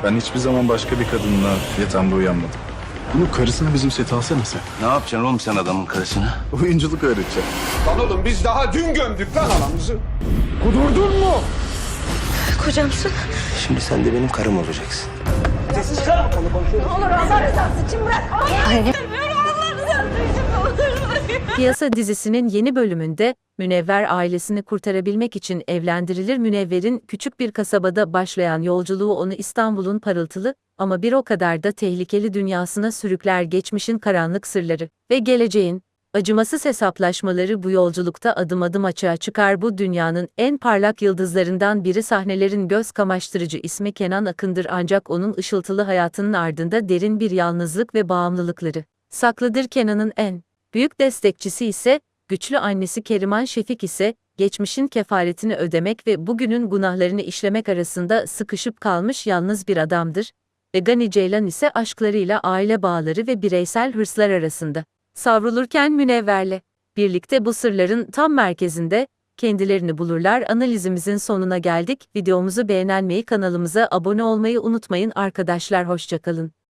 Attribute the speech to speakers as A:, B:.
A: Ben hiçbir zaman başka bir kadınla yatağımda uyanmadım.
B: Bunun karısını bizim sete alsana sen.
C: Ne yapacaksın oğlum sen adamın karısını?
A: Oyunculuk öğreteceğim.
D: Lan oğlum biz daha dün gömdük lan anamızı. Kudurdun mu?
E: Kocamsın.
C: Şimdi sen de benim karım olacaksın.
E: Olur Allah rızası için bırak. Anne. Allah rızası için olur.
F: Piyasa dizisinin yeni bölümünde Münevver ailesini kurtarabilmek için evlendirilir. Münevver'in küçük bir kasabada başlayan yolculuğu onu İstanbul'un parıltılı ama bir o kadar da tehlikeli dünyasına sürükler. Geçmişin karanlık sırları ve geleceğin acımasız hesaplaşmaları bu yolculukta adım adım açığa çıkar. Bu dünyanın en parlak yıldızlarından biri, sahnelerin göz kamaştırıcı ismi Kenan Akın'dır, ancak onun ışıltılı hayatının ardında derin bir yalnızlık ve bağımlılıkları saklıdır. Kenan'ın en büyük destekçisi ise güçlü annesi Keriman Şefik ise geçmişin kefaretini ödemek ve bugünün günahlarını işlemek arasında sıkışıp kalmış yalnız bir adamdır. Ve Gani Ceylan ise aşklarıyla aile bağları ve bireysel hırslar arasında savrulurken Münevver'le birlikte bu sırların tam merkezinde kendilerini bulurlar. Analizimizin sonuna geldik. Videomuzu beğenmeyi, kanalımıza abone olmayı unutmayın arkadaşlar. Hoşça kalın.